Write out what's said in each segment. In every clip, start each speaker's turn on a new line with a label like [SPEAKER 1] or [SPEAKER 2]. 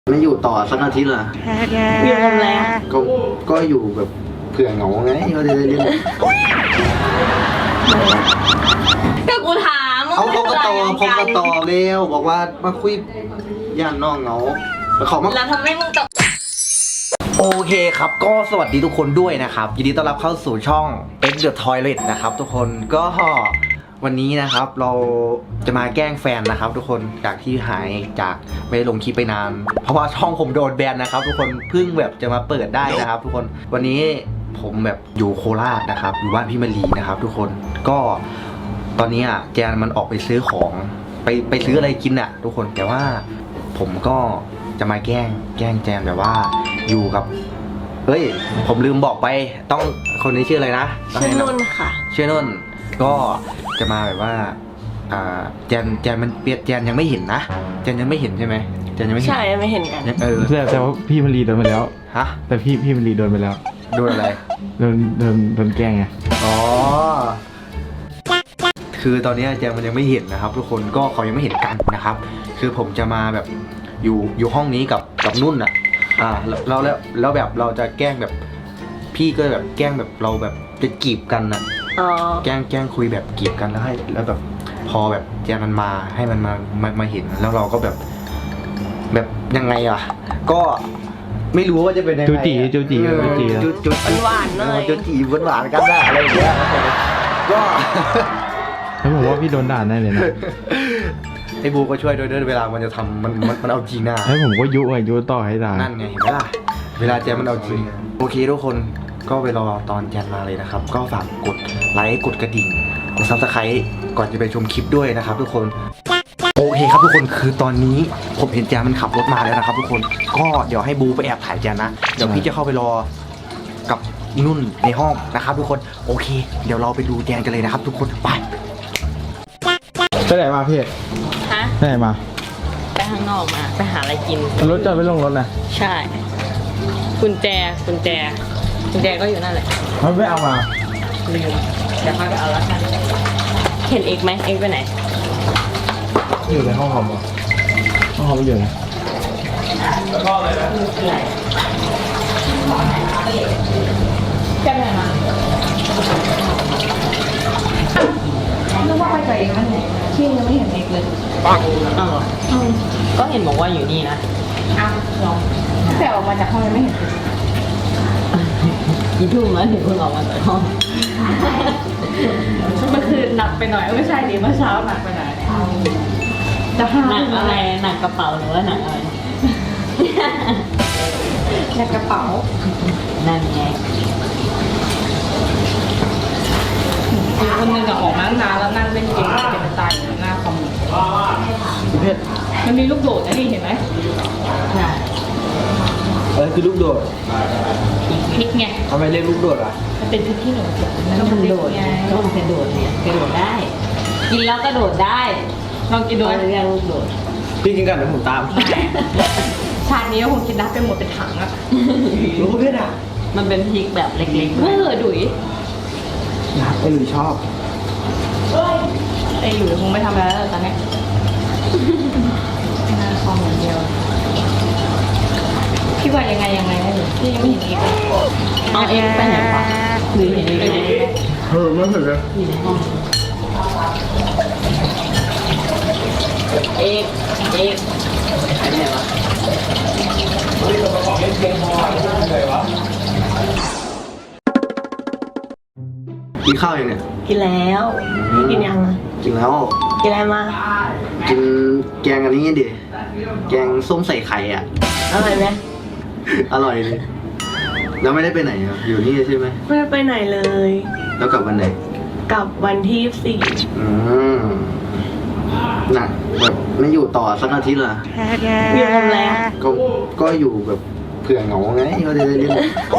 [SPEAKER 1] ไม่อยู่ต่อสักอาทิตย์เหรอ
[SPEAKER 2] อยู่ทำอะไร
[SPEAKER 1] ก็อยู่แบบเผื่อเหงาไงก็จะได้เล่น
[SPEAKER 2] ก็กูถาม
[SPEAKER 1] เขาก็ต่อเร็วบอกว่ามาคุยย่านน้องเหงาแล้วเขามา
[SPEAKER 2] แล้วทำให้มึงตก
[SPEAKER 1] โอเคครับก็สวัสดีทุกคนด้วยนะครับยินดีต้อนรับเข้าสู่ช่อง X The Toilet นะครับทุกคนก็วันนี้นะครับเราจะมาแกล้งแฟนนะครับทุกคนจากที่หายจากไม่ได้ลงคลิปไปนานเพราะว่าช่องผมโดนแบนนะครับทุกคนเพิ่งแบบจะมาเปิดได้นะครับทุกคนวันนี้ผมแบบอยู่โคราชนะครับอยู่บ้านพี่มะลีนะครับทุกคนก็ตอนนี้แจนมันออกไปซื้อของไปซื้ออะไรกินอ่ะทุกคนแต่ว่าผมก็จะมาแกล้งแจนแบบว่าอยู่กับเฮ้ยผมลืมบอกไปต้องคนนี้ชื่ออะไรนะ
[SPEAKER 2] ชื่อนุ่นค่ะ
[SPEAKER 1] ชื่อนุ่นก็จะมาแบบว่าแจนมันเปียแจนยังไม่เห็นนะแจนยังไม่เห็นใช่ไหมแจนยังไม่เห็น
[SPEAKER 2] ใช่ไม่เห็นกัน
[SPEAKER 3] แต่ว่าพี่มะลีโดนไปแล้ว
[SPEAKER 1] ฮะ
[SPEAKER 3] แต่พี่มะลีโดนไปแล้ว
[SPEAKER 1] โดนอะไร
[SPEAKER 3] โดนแกล้งไง
[SPEAKER 1] อ๋อคือตอนนี้แจนมันยังไม่เห็นนะครับทุกคนก็เขายังไม่เห็นกันนะครับคือผมจะมาแบบอยู่ห้องนี้กับนุ่นอ่ะแล้วแบบเราจะแกล้งแบบพี่ก็แบบแกล้งแบบเราแบบจะจีบกันอ่ะแกล้งคุยแบบจีบกันแล้วแบบพอแบบแจนมันมาให้มันมาเห็นแล้วเราก็แบบยังไงอ่ะก็ไม่รู้ว่าจะเป็นยังไง
[SPEAKER 3] จูจี
[SPEAKER 2] หวานๆเลย
[SPEAKER 1] จูจีหวานกันได้อะไรอย่างเงี้ยก็
[SPEAKER 3] แล้วผมว่าพี่โดนด่าแน่เลยนะ
[SPEAKER 1] ไอ้บูก็ช่วยด้วยเวลามันจะทำมันเอาจริงนะ
[SPEAKER 3] ให้ผมก็ยุต่อให้ด่า
[SPEAKER 1] นั่นไงเห็นไหมล่ะเวลาแจนมันเอาจริงโอเคทุกคนก็ไปรอตอนแจนมาเลยนะครับก็ฝากกดไลค์กดกระดิ่งกดซับสไครต์ก่อนจะไปชมคลิปด้วยนะครับทุกคนโอเคครับทุกคนคือตอนนี้ผมเห็นแจนมันขับรถมาแล้วนะครับทุกคนก็เดี๋ยวให้บูไปแอบถ่ายแจนนะเดี๋ยวพี่จะเข้าไปรอกับนุ่นในห้องนะครับทุกคนโอเคเดี๋ยวเราไปดูแจนกันเลยนะครับทุกคนไป
[SPEAKER 3] ไหนมาพี่
[SPEAKER 2] ฮะ
[SPEAKER 3] ไปไหนมา
[SPEAKER 2] ไปข้างนอกมาไปหาอะไรกิน
[SPEAKER 3] รถจอดไปลงรถนะ
[SPEAKER 2] ใช่กุญแจก็อยู่นั่นแหละ
[SPEAKER 3] มันไม่เอามา
[SPEAKER 2] ลืมเดี๋ยวพาไปเอาแล้วกันเห็นเอกไหมเอกไปไหน
[SPEAKER 3] อยู่ในห้องคอมอ่ะห้องคอมอยู่ไหน
[SPEAKER 2] ก็เลยนะแก้ไหนมานึกว่าไปกับเอกนั่นไงที่ยังไม่เห็นเอกเลยปังอ้าวเหรอก็เห็นบอกว่าอยู่นี่นะอ้าวลองแต่ออกมาจากห้องยังไม่เห็นกี่ทุ่มแล้วถึงเพิ่งออกมาจากห้องเมื่อคืนหนักไปหน่อยไม่ใช่ดิเมื่อเช้าหนักไปหน่อยจะหนักอะไรหนักกระเป๋าหรือว่าหนักอะไรหนักกระเป๋านั่นไงคนนึงก็ออกมาตั้งนานแล้วนั่งเล่นเกมเป็นตายอยู่หน้าคอม
[SPEAKER 1] เพชร
[SPEAKER 2] มันมีลูกโดดนะนี่เห็นไหมใช่
[SPEAKER 1] คือลูกโดด
[SPEAKER 2] พริกไง
[SPEAKER 1] ทำไมเรียกลูกโดดอ่ะ
[SPEAKER 2] มันเป็นพริกที่หนูก็มันโดดไงก็มันกระโดดเนี่ยกระโดดได้กินแล้วกระโดดได้ลองกินดูเรียกลูกโดด
[SPEAKER 1] พี่กินกันเดี๋ยวผมตาม
[SPEAKER 2] ชาตินี้ก็คงกินได้เป็นหมดเป็นถังอะ
[SPEAKER 1] รู้เพชรอ่ะ
[SPEAKER 2] มันเป็นพริกแบบเล็กๆดุย
[SPEAKER 1] ไอ้หลุยชอบ
[SPEAKER 2] ไอ้หลุยคงไม่ทำอะไรแล้วตอนนี้หน้าคอมอย่างเดียวพี่ว่ายังไงนะพี่ยังไม่เห็นเอกเอาเอกไปไหนวะหรือเห็นเอกไหน
[SPEAKER 1] ไม่เห็นเลย
[SPEAKER 2] อยู่ในห้องเอกไปไหนวะ
[SPEAKER 1] กินข้าวยังเนี่ย
[SPEAKER 2] กินแล้วกินยัง
[SPEAKER 1] กินแล้ว
[SPEAKER 2] กินอะไรมา
[SPEAKER 1] กินแกงอันนี้ดิแกงส้มใส่ไข่อ่ะ
[SPEAKER 2] อร่อยไหม
[SPEAKER 1] อร่อยเลยแล้วไม่ได้ไปไหนอ่ะอยู่นี่ใช่ไหม
[SPEAKER 2] ไม่ได้ไปไหนเลย
[SPEAKER 1] แล้วกลับวันไหน
[SPEAKER 2] กลับวันที่
[SPEAKER 1] หนักแบบไม่อยู่ต่อสักอาทิตย์เหรอ
[SPEAKER 2] อยู่ทำอะไร
[SPEAKER 1] ก็อยู่แบบเผื่อเหงาไงก็จะได้เล่น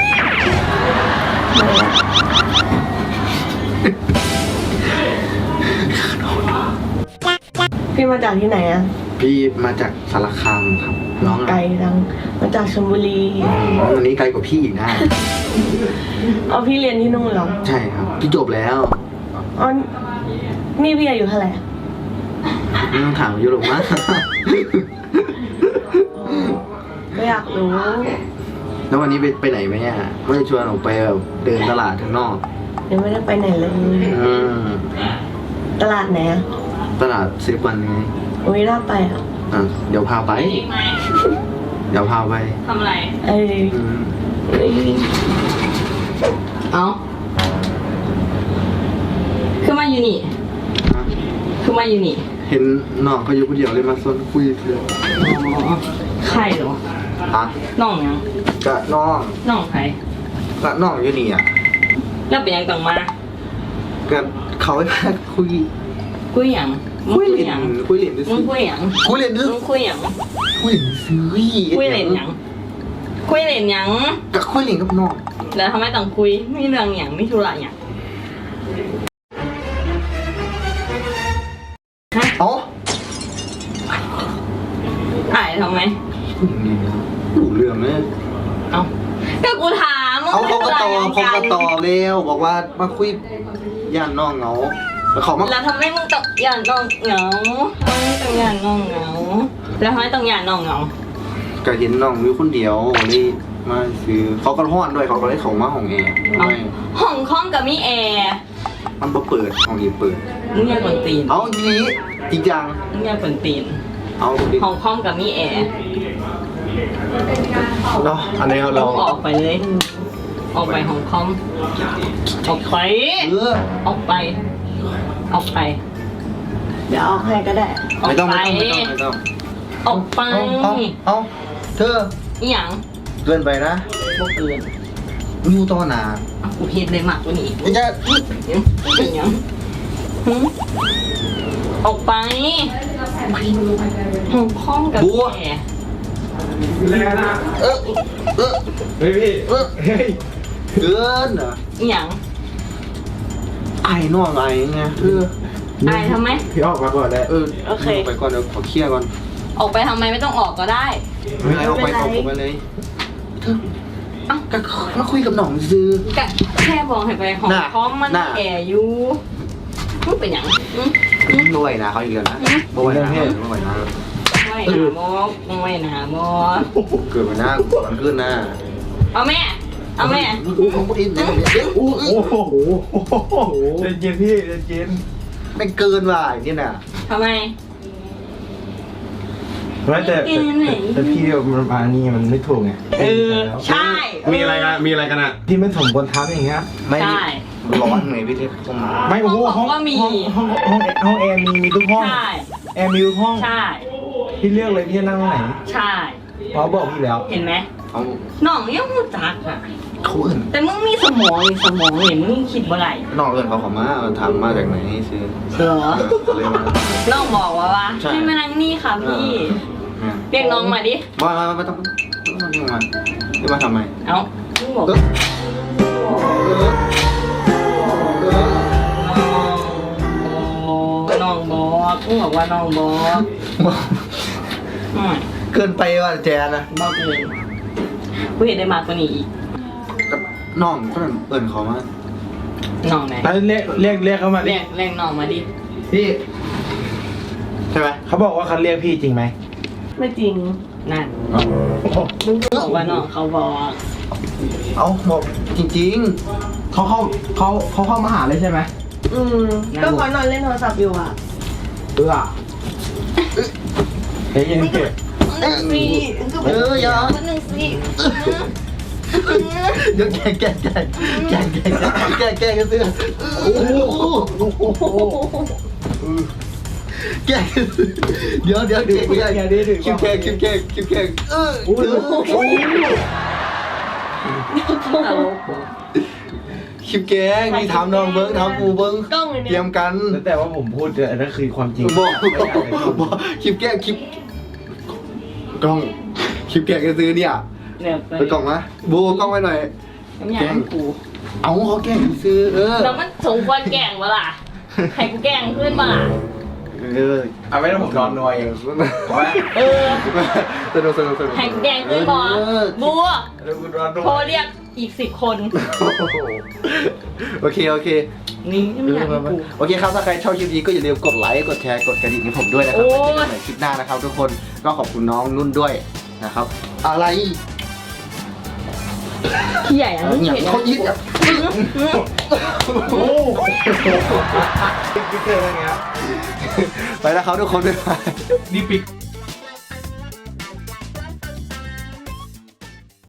[SPEAKER 2] พี่มาจากที่ไหนอ่ะ
[SPEAKER 1] พี่มาจากสารคามครับน้อง
[SPEAKER 2] ไกลจังมาจากชลบุรี
[SPEAKER 1] อันนี้ไกลกว่าพี่อีกนะ
[SPEAKER 2] เอาพี่เรียนที่นู่นเหรอ
[SPEAKER 1] ใช่ครับพี่จบแล้ว
[SPEAKER 2] อ๋อนี่พี่อายุเท่าไหร่
[SPEAKER 1] ไม่ต้องถามอายุหรอกมั้ง
[SPEAKER 2] รู้
[SPEAKER 1] แล้ววันนี้ไปไหนไหมเนี่ยไม่ได้ชวนออกไปแบบเดินตลาดข้างนอก
[SPEAKER 2] ยังไม่ได้ไปไหนเลย
[SPEAKER 1] อืม
[SPEAKER 2] ตลาดไหนอะ
[SPEAKER 1] ตลาดซิลิคอนไง
[SPEAKER 2] อุ้ยน่าไปอ่ะ
[SPEAKER 1] อ่ะเดี๋ยวพาไป เดี๋ยวพาไป
[SPEAKER 2] ทำอะไร
[SPEAKER 1] อืม
[SPEAKER 2] เอาคือมาอยู่นี่
[SPEAKER 1] อ่ะ
[SPEAKER 2] คือมาอยู่นี่
[SPEAKER 1] เห็นน้องเขาอยู่คนเดียวเลยมาซนคุยเลย
[SPEAKER 2] อ๋อใครเหรอ
[SPEAKER 1] อ่ะ
[SPEAKER 2] น้องยัง
[SPEAKER 1] กะน้อง
[SPEAKER 2] น้องใคร
[SPEAKER 1] กะน้องอยู่นี่อ่ะ
[SPEAKER 2] แล้วเป็นยังต้องมา
[SPEAKER 1] กะเขาให้มาคุย
[SPEAKER 2] คุยหยังมึง
[SPEAKER 1] คุย
[SPEAKER 2] คุย
[SPEAKER 1] เล่น
[SPEAKER 2] หยัง
[SPEAKER 1] คุยเล่นดิ
[SPEAKER 2] มึงคุยหยัง
[SPEAKER 1] คุยเล่นดิ
[SPEAKER 2] มึงคุยหยัง
[SPEAKER 1] คุยเล่นซื้อ
[SPEAKER 2] คุยเล่นหยังคุยเล่นหยัง
[SPEAKER 1] กะคุยเล่นกับน้อง
[SPEAKER 2] แล้วทำไมต้องคุยมีเรื่องหยังมีธุระหยัง
[SPEAKER 1] เอ้า
[SPEAKER 2] ถ่ายทำไม
[SPEAKER 1] ดูเรื่องเลย
[SPEAKER 2] เอาก็กูถาม
[SPEAKER 1] เอาเขาก็ตอบ
[SPEAKER 2] มึง
[SPEAKER 1] เขาก็ตอบเร็วบอกว่ามาคุยย่านน้องเหงาแล้วเขามา
[SPEAKER 2] แล้วทำไมมึงต้องหย่านน้องเหงาทำไมต้องหย่านน้องเหงาแล้วทำไมต้องหย่านน้องเหงา
[SPEAKER 1] ก็เห็นน้องอยู่คนเดียวเลยมาซื้อเขาก็ห้อนด้วยเขาก็เลยเขามาห้องแอร์
[SPEAKER 2] เอา
[SPEAKER 1] ไม่
[SPEAKER 2] ห้องห้องกับมีแอร์
[SPEAKER 1] มันบ่เปิดห้องนี้เปิด
[SPEAKER 2] มึงอยากกวนตีน
[SPEAKER 1] เอาทีนี้จริงจัง
[SPEAKER 2] มึงอยากกวนตีน
[SPEAKER 1] เอาดิ
[SPEAKER 2] ห้องห้องกับมีแอร์
[SPEAKER 1] เนาะอันนี้เรา
[SPEAKER 2] ออกไปเลย ออกไปห้องคอมออกไป ออกไป ออกไป เดี๋ยวออกให้ก็ได้ ออก
[SPEAKER 1] ไม่ต้อง
[SPEAKER 2] ไป
[SPEAKER 1] ไม่ต้อง
[SPEAKER 2] ออกไป
[SPEAKER 1] เอาเธอ
[SPEAKER 2] อีหยัง
[SPEAKER 1] เกินไปนะ
[SPEAKER 2] บ่เกิน
[SPEAKER 1] มิวต่อหนา
[SPEAKER 2] กูเฮ็ดได้มากกว่านี้
[SPEAKER 1] ไม่ใช่
[SPEAKER 2] อีหยังหึออกไปห้องคอมกับมีแอร์
[SPEAKER 1] เออเออ
[SPEAKER 3] เฮ้ยพี่
[SPEAKER 1] เออ
[SPEAKER 3] เฮ้ย
[SPEAKER 1] เกินอ่ะ
[SPEAKER 2] อีหยัง
[SPEAKER 1] ไอ้น้องไอ้ไงเธอ
[SPEAKER 2] อายทำไม
[SPEAKER 3] พี่ออกมาก่อนได้
[SPEAKER 2] โอเค
[SPEAKER 1] ไปก่อนเดี๋ยวขอเคลียร์ก่อน
[SPEAKER 2] ออกไปทำไมไม่ต้องออกก็ได้
[SPEAKER 1] ไม่เอาไปเอาไปเลยเธอเอ้าก็มาคุยกับน้องซื้อ
[SPEAKER 2] ก็แค่บอกให้ไปห้อง
[SPEAKER 1] น่ะ
[SPEAKER 2] คอมมัน
[SPEAKER 1] น่ะ
[SPEAKER 2] แอร์อยู่มึงเป็นหยังอืม
[SPEAKER 1] บ่อยนะเขาอีกแล้วนะบ่อยนะบ่อยนะ
[SPEAKER 2] ไม่หาบอกไม่หาบอก
[SPEAKER 1] เกิดมาหน้ามันขึ้นหน้า
[SPEAKER 2] เอาแม่ เอาแม่
[SPEAKER 1] อู้ของอินเนี่ยอู้
[SPEAKER 3] โอ้โหเย็นเย็นพี่เย็นเย็น
[SPEAKER 1] ไม่เกินว่ะนี่น่ะ
[SPEAKER 2] ทำไม
[SPEAKER 3] ไม่แต่พี่มันมานี่มันไม่ถูกไง
[SPEAKER 2] ใช่
[SPEAKER 4] มีอะไรกันมีอะไรกันอ่ะ
[SPEAKER 3] ที่ไม่สมควรทับอย่างเงี้ย
[SPEAKER 1] ไม่
[SPEAKER 2] ใช่
[SPEAKER 1] ร้อนไงพี่เทพเข้ามา
[SPEAKER 3] ไม่โอ้โห
[SPEAKER 2] ห้องก็มี
[SPEAKER 3] ห้องแอร์มีทุกห้อง
[SPEAKER 2] ใช่
[SPEAKER 3] แอร์มีทุกห้อง
[SPEAKER 2] ใช่
[SPEAKER 3] พี่เลือกเลยพี่จะนั่งตรงไหน
[SPEAKER 2] ใช่
[SPEAKER 3] เพราะบอกพี่แล้ว
[SPEAKER 2] เห็นไหม
[SPEAKER 1] เอา
[SPEAKER 2] น้องยังรู้จักอ่ะ
[SPEAKER 1] เขาเอิน
[SPEAKER 2] แต่มึงมีสมองเห็นมึงคิดว่าไร
[SPEAKER 1] น้องเอินเขามาถามมาจากไหนซื้อ
[SPEAKER 2] เหรอ
[SPEAKER 1] เลยมา
[SPEAKER 2] น้องบอกว่า
[SPEAKER 1] ใช่
[SPEAKER 2] ให้มานั่งนี่ค่ะพี่ เรียกน้องมาดิ
[SPEAKER 1] ไม่ต้องมาจะมาทำไม
[SPEAKER 2] เอ้ามึงบอก
[SPEAKER 1] เออ
[SPEAKER 2] น้องบอกมึงบอกว่าน้องบอกอืม
[SPEAKER 1] เกินไปว่ะแจนะ
[SPEAKER 2] บอกเลยกูเห็นได้มากกว่านี้อีก
[SPEAKER 1] กับน้องก็เอินเขามา
[SPEAKER 2] น้องไหน
[SPEAKER 3] แล้วเรียกเขามาดิ
[SPEAKER 2] เรียกน้องมาดิ
[SPEAKER 3] พี่
[SPEAKER 1] ใช่ไหม
[SPEAKER 3] เขาบอกว่าเขาเรียกพี่จริงไหม
[SPEAKER 2] ไม่จริงนั่นมึงก็บอกว่าน้องเขาบอก
[SPEAKER 1] เอาบอกจริง
[SPEAKER 3] เขาเข้ามาหาเลยใช่ไหม
[SPEAKER 2] ก็เขานอนเล่นโทรศัพท์อยู่อ่ะ
[SPEAKER 3] เฮ้ยยังเก็บ
[SPEAKER 2] หนึ่งสิ
[SPEAKER 1] อย่า
[SPEAKER 2] หนึ่งสิ
[SPEAKER 1] เดี๋ยวแกกันซื้อโอ้โหแกเดี๋ยวแกคิวแกคลิปแกงนี่ทำน้องเบิ้งทำกูเบิ้งเตรียมกัน
[SPEAKER 3] แต่ว่าผมพูดอันนั้นคือความจริง
[SPEAKER 1] บอกคลิปแกงคลิปกล้องคลิปแกงจะซื้อเนี่ย
[SPEAKER 2] เนี่ยไป
[SPEAKER 1] ไปกล่องนะบูกล้องไว้หน่อย
[SPEAKER 2] ไม่อยากให้กู
[SPEAKER 1] เอาเขาแกล้งซื้อ
[SPEAKER 2] แล้วมันสมควรแกล้งวะล่ะให้กูแกล้งขึ้นมาล่ะ
[SPEAKER 3] เอาไม่ต้องผมนอนนัวเองเพราะว่า
[SPEAKER 2] เออ
[SPEAKER 1] สนุก
[SPEAKER 2] ให้กูแกล้งขึ้นบอบัว
[SPEAKER 3] แล้วกูนอนนัว
[SPEAKER 2] โทรเรียกอีก10 คน
[SPEAKER 1] โอเค
[SPEAKER 2] นี่ไม่อยากให้กู
[SPEAKER 1] โอเคครับถ้าใครชอบคลิปนี้ก็อย่าลืมกดไลค์กดแชร์กดกระดิ่งให้ผมด้วยนะครับไว้เจอกันใหม่คลิปหน้านะครับทุกคนก็ขอบคุณน้องนุ่นด้วยนะครับ อะไร
[SPEAKER 2] พี่ใหญ่อะ
[SPEAKER 1] เนี่ยเขายิงอ่ะ
[SPEAKER 3] โอ้พี่เจออะไรเงี้ย
[SPEAKER 1] ไปแล้วครับทุกคนด้วย
[SPEAKER 3] นี่ปิด